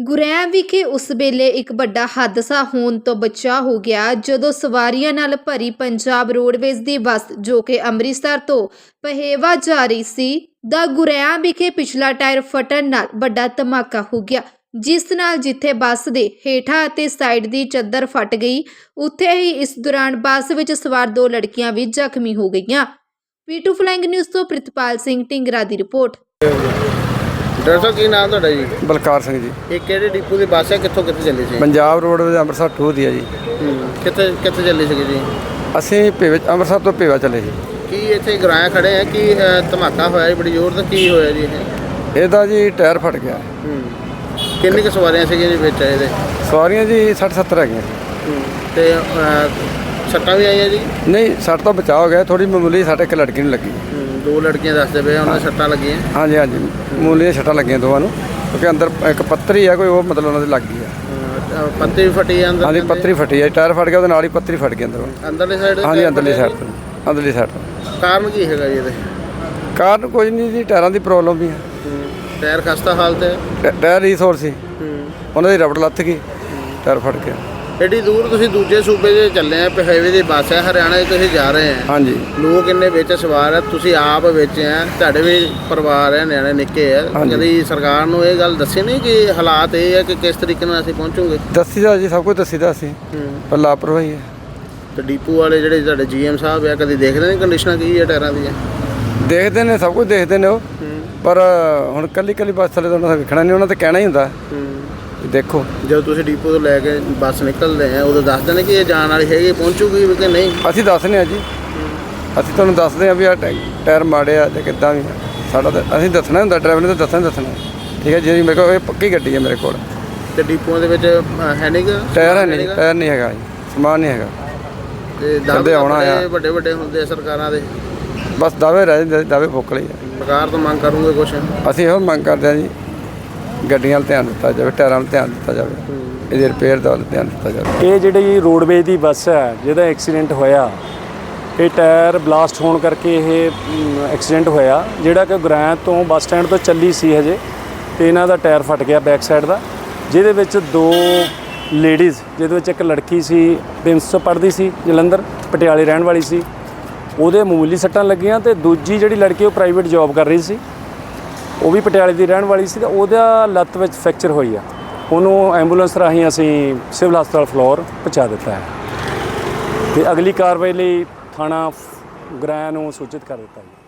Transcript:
ਗੁਰੈਂ ਵਿਖੇ ਉਸ ਵੇਲੇ ਇੱਕ ਵੱਡਾ ਹਾਦਸਾ ਹੋਣ ਤੋਂ ਬਚਾ ਹੋ ਗਿਆ ਜਦੋਂ ਸਵਾਰੀਆਂ ਨਾਲ ਭਰੀ ਪੰਜਾਬ ਰੋਡਵੇਜ਼ ਦੀ ਬੱਸ ਜੋ ਕਿ ਅੰਮ੍ਰਿਤਸਰ ਤੋਂ ਪਹੇਵਾ ਜਾ ਰਹੀ ਸੀ ਦਾ ਗੁਰੈਂ ਵਿਖੇ ਪਿਛਲਾ ਟਾਇਰ ਫਟਣ ਨਾਲ ਵੱਡਾ ਧਮਾਕਾ ਹੋ ਗਿਆ, ਜਿਸ ਨਾਲ ਜਿੱਥੇ ਬੱਸ ਦੇ ਹੇਠਾਂ ਅਤੇ ਸਾਈਡ ਦੀ ਚੱਦਰ ਫਟ ਗਈ, ਉੱਥੇ ਹੀ ਇਸ ਦੌਰਾਨ ਬੱਸ ਵਿੱਚ ਸਵਾਰ 2 ਲੜਕੀਆਂ ਵੀ ਜ਼ਖਮੀ ਹੋ ਗਈਆਂ। P2 ਫਲਾਇੰਗ ਨਿਊਜ਼ ਤੋਂ ਪ੍ਰਿਤਪਾਲ ਸਿੰਘ ਢਿੰਗਰਾ ਦੀ ਰਿਪੋर्ट। ਡਾਕਟਰ ਸਾਹਿਬ ਕੀ ਨਾਮ ਤੁਹਾਡਾ ਜੀ? ਬਲਕਾਰ ਸਿੰਘ ਜੀ। ਇਹ ਕਿਹੜੇ ਡਿਪੂ ਦੀ ਬੱਸ ਹੈ, ਕਿੱਥੋਂ ਕਿੱਥੇ ਚੱਲੀ ਸੀ? ਪੰਜਾਬ ਰੋਡਵੇਜ਼ ਅੰਮ੍ਰਿਤਸਰ ਟੂ ਦੀ ਹੈ ਜੀ। ਕਿੱਥੇ ਕਿੱਥੇ ਚੱਲੀ ਸੀਗੀ ਜੀ? ਅਸੀਂ ਅੰਮ੍ਰਿਤਸਰ ਤੋਂ ਭੇਵਾ ਚੱਲੇ ਸੀ। ਕੀ ਇੱਥੇ ਗਰਾਇਆ ਖੜੇ ਆ? ਕੀ ਧਮਾਕਾ ਹੋਇਆ ਜੀ ਬੜੀ ਜ਼ੋਰ ਦਾ? ਕੀ ਹੋਇਆ ਜੀ ਇਹਦਾ ਜੀ ਟਾਇਰ ਫਟ ਗਿਆ। ਕਿੰਨੀ ਕੁ ਸਵਾਰੀਆਂ ਸੀਗੀਆਂ ਜੀ ਵਿੱਚ ਇਹਦੇ? ਸਵਾਰੀਆਂ ਜੀ 60-70 ਹੈਗੀਆਂ ਸੀ। ਤੇ ਸੱਟਾਂ ਵੀ ਆਈਆਂ ਜੀ? ਨਹੀਂ, ਸੱਟ ਤੋਂ ਬਚਾਅ ਹੋ ਗਿਆ, ਥੋੜੀ ਮਾਮੂਲੀ ਸੱਟ ਇੱਕ ਲੜਕੀ ਨੂੰ ਲੱਗੀ। 2 ਲੜਕੀਆਂ ਦੱਸਦੇ ਪਏ ਉਹਨਾਂ ਦੇ ਸੱਟਾਂ ਲੱਗੀਆਂ? ਹਾਂਜੀ ਹਾਂਜੀ, ਮਾਮੂਲੀ ਸੱਟਾਂ ਲੱਗੀਆਂ ਦੋਵਾਂ ਨੂੰ, ਕਿਉਂਕਿ ਅੰਦਰ ਇੱਕ ਪੱਤਰੀ ਆ ਕੋਈ, ਉਹ ਮਤਲਬ ਉਹਨਾਂ ਦੇ ਲੱਗ ਗਈ ਆ। ਪੱਤਰੀ ਵੀ ਫਟੀ ਆ ਅੰਦਰ? ਹਾਂਜੀ, ਪੱਤਰੀ ਫਟੀ ਆ, ਟਾਇਰ ਫਟ ਗਿਆ, ਉਹਦੇ ਨਾਲ ਹੀ ਪੱਤਰੀ ਫਟ ਗਈ ਅੰਦਰੋਂ। ਅੰਦਰਲੀ ਸਾਈਡ? ਹਾਂਜੀ, ਅੰਦਰਲੀ ਸਾਈਡ ਤੋਂ। ਅੰਦਰਲੀ ਸਾਈਡ ਤੋਂ। ਕਾਰਨ ਕੀ ਹੈਗਾ ਜੀ ਇਹਦੇ? ਕਾਰਨ ਕੋਈ ਨਹੀਂ ਜੀ, ਟਾਇਰਾਂ ਦੀ ਪ੍ਰੋਬਲਮ ਵੀ ਆ। ਟਾਇਰ ਖਸਤਾ ਹਾਲਤ ਹੈ? ਟਾਇਰ ਰੀਸੋਰ ਸੀ, ਉਹਨਾਂ ਦੀ ਰਬੜ ਲੱਥ ਗਈ, ਟਾਇਰ ਫਟ ਗਿਆ। ਐਡੀ ਦੂਰ ਤੁਸੀਂ ਦੂਜੇ ਸੂਬੇ 'ਚ ਚੱਲੇ ਆ, ਪਹੇਵੇ ਦੀ ਬੱਸ ਹੈ, ਹਰਿਆਣਾ 'ਚ ਤੁਸੀਂ ਜਾ ਰਹੇ ਆ। ਹਾਂਜੀ। ਲੋਕ ਇੰਨੇ ਵਿੱਚ ਸਵਾਰ ਆ, ਤੁਸੀਂ ਆਪ ਵਿੱਚ ਆ, ਤੁਹਾਡੇ ਵੀ ਪਰਿਵਾਰ ਹੈ, ਨਿਆਣੇ ਨਿੱਕੇ ਆ। ਕਦੀ ਸਰਕਾਰ ਨੂੰ ਇਹ ਗੱਲ ਦੱਸੀ ਨਹੀਂ ਕਿ ਹਾਲਾਤ ਇਹ ਹੈ ਕਿ ਕਿਸ ਤਰੀਕੇ ਨਾਲ ਅਸੀਂ ਪਹੁੰਚੂਗੇ? ਦੱਸੀਦਾ ਜੀ, ਸਭ ਕੁਝ ਦੱਸੀਦਾ ਅਸੀਂ, ਪਰ ਲਾਪਰਵਾਹੀ ਹੈ। ਤੇ ਡੀਪੂ ਵਾਲੇ ਜਿਹੜੇ ਤੁਹਾਡੇ GM ਸਾਹਿਬ ਆ, ਕਦੀ ਦੇਖਦੇ ਨੇ ਕੰਡੀਸ਼ਨਾਂ ਕੀ ਹੈ ਟਾਇਰਾਂ ਦੀਆਂ? ਦੇਖਦੇ ਨੇ, ਸਭ ਕੁਝ ਦੇਖਦੇ ਨੇ ਉਹ, ਪਰ ਹੁਣ ਕੱਲੀ ਬੱਸ ਥੱਲੇ ਤਾਂ ਉਹਨਾਂ ਦਾ ਵੇਖਣਾ ਨਹੀਂ, ਉਹਨਾਂ ਤੇ ਕਹਿਣਾ ਹੀ ਹੁੰਦਾ ਦੇਖੋ। ਜਦੋਂ ਤੁਸੀਂ ਡੀਪੂ ਤੋਂ ਲੈ ਕੇ ਬੱਸ ਨਿਕਲਦੇ ਆ, ਉਦੋਂ ਦੱਸਦੇ ਨੇ ਕਿ ਇਹ ਜਾਣ ਵਾਲੀ ਹੈਗੀ, ਪਹੁੰਚੂਗੀ ਕਿ ਨਹੀਂ? ਅਸੀਂ ਦੱਸਦੇ ਹਾਂ ਜੀ, ਅਸੀਂ ਤੁਹਾਨੂੰ ਦੱਸਦੇ ਹਾਂ ਵੀ ਆਹ ਟਾਇਰ ਮਾੜੇ ਆ ਜਾਂ ਕਿੱਦਾਂ ਵੀ ਸਾਡਾ ਤਾਂ ਅਸੀਂ ਦੱਸਣਾ ਹੁੰਦਾ, ਡਰਾਈਵਰ ਨੇ ਤਾਂ ਦੱਸਣਾ ਠੀਕ ਹੈ ਜੀ। ਮੇਰੇ ਕੋਲ ਇਹ ਪੱਕੀ ਗੱਡੀ ਹੈ ਮੇਰੇ ਕੋਲ। ਤੇ ਡੀਪੂਆਂ ਦੇ ਵਿੱਚ ਹੈ ਨਹੀਂ ਗਾ ਟਾਇਰ? ਹੈ ਨਹੀਂ, ਟਾਇਰ ਨਹੀਂ ਹੈਗਾ ਜੀ, ਸਮਾਨ ਨਹੀਂ ਹੈਗਾ। ਤੇ ਦਾਅਵੇ ਆਉਣਾ ਵੱਡੇ ਵੱਡੇ ਹੁੰਦੇ ਆ ਸਰਕਾਰਾਂ ਦੇ, ਬਸ ਦਾਅਵੇ ਰਹਿ ਜਾਂਦੇ, ਦਾਅਵੇ ਫੁੱਕ ਲਈ। ਸਰਕਾਰ ਤੋਂ ਮੰਗ ਕਰੂੰਗੇ ਕੁਛ? ਅਸੀਂ ਇਹੋ ਮੰਗ ਕਰਦੇ ਹਾਂ ਜੀ, ਗੱਡੀਆਂ 'ਤੇ ਧਿਆਨ ਦਿੱਤਾ ਜਾਵੇ, ਟਾਇਰਾਂ 'ਤੇ ਧਿਆਨ ਦਿੱਤਾ ਜਾਵੇ, ਇਹਦੇ ਰਿਪੇਅਰ ਦਾ ਧਿਆਨ ਦਿੱਤਾ ਜਾਵੇ। ਇਹ ਜਿਹੜੀ ਰੋਡਵੇਜ਼ ਦੀ ਬੱਸ ਹੈ ਜਿਹਦਾ ਐਕਸੀਡੈਂਟ ਹੋਇਆ, ਇਹ ਟਾਇਰ ਬਲਾਸਟ ਹੋਣ ਕਰਕੇ ਇਹ ਐਕਸੀਡੈਂਟ ਹੋਇਆ, ਜਿਹੜਾ ਕਿ ਗੁਰੈਂ ਤੋਂ ਬੱਸ ਸਟੈਂਡ ਤੋਂ ਚੱਲੀ ਸੀ ਹਜੇ, ਤੇ ਇਹਨਾਂ ਦਾ ਟਾਇਰ ਫਟ ਗਿਆ ਬੈਕ ਸਾਈਡ ਦਾ, ਜਿਹਦੇ ਵਿੱਚ 2 ਲੇਡੀਜ਼, ਜਿਹਦੇ ਵਿੱਚ ਇੱਕ ਲੜਕੀ ਸੀ 300 ਪੜ੍ਹਦੀ ਸੀ, ਜਲੰਧਰ ਪਟਿਆਲੇ ਰਹਿਣ ਵਾਲੀ ਸੀ, ਉਹਦੇ ਮਾਮੂਲੀ ਸੱਟਾਂ ਲੱਗੀਆਂ, ਤੇ ਦੂਜੀ ਜਿਹੜੀ ਲੜਕੀ ਉਹ ਪ੍ਰਾਈਵੇਟ ਜੌਬ ਕਰ ਰਹੀ ਸੀ, ਉਹ ਵੀ ਪਟਿਆਲੇ ਦੀ ਰਹਿਣ ਵਾਲੀ ਸੀ, ਤੇ ਉਹਦਾ ਲੱਤ ਵਿੱਚ ਫ੍ਰੈਕਚਰ ਹੋਈ ਆ। ਉਹਨੂੰ ਐਂਬੂਲੈਂਸ ਰਾਹੀਂ ਅਸੀਂ ਸਿਵਲ ਹਸਪਤਾਲ ਫਲੋਰ ਪਹੁੰਚਾ ਦਿੱਤਾ ਹੈ, ਤੇ ਅਗਲੀ ਕਾਰਵਾਈ ਲਈ ਥਾਣਾ ਗੁਰੈਂ ਨੂੰ ਸੂਚਿਤ ਕਰ ਦਿੱਤਾ ਹੈ।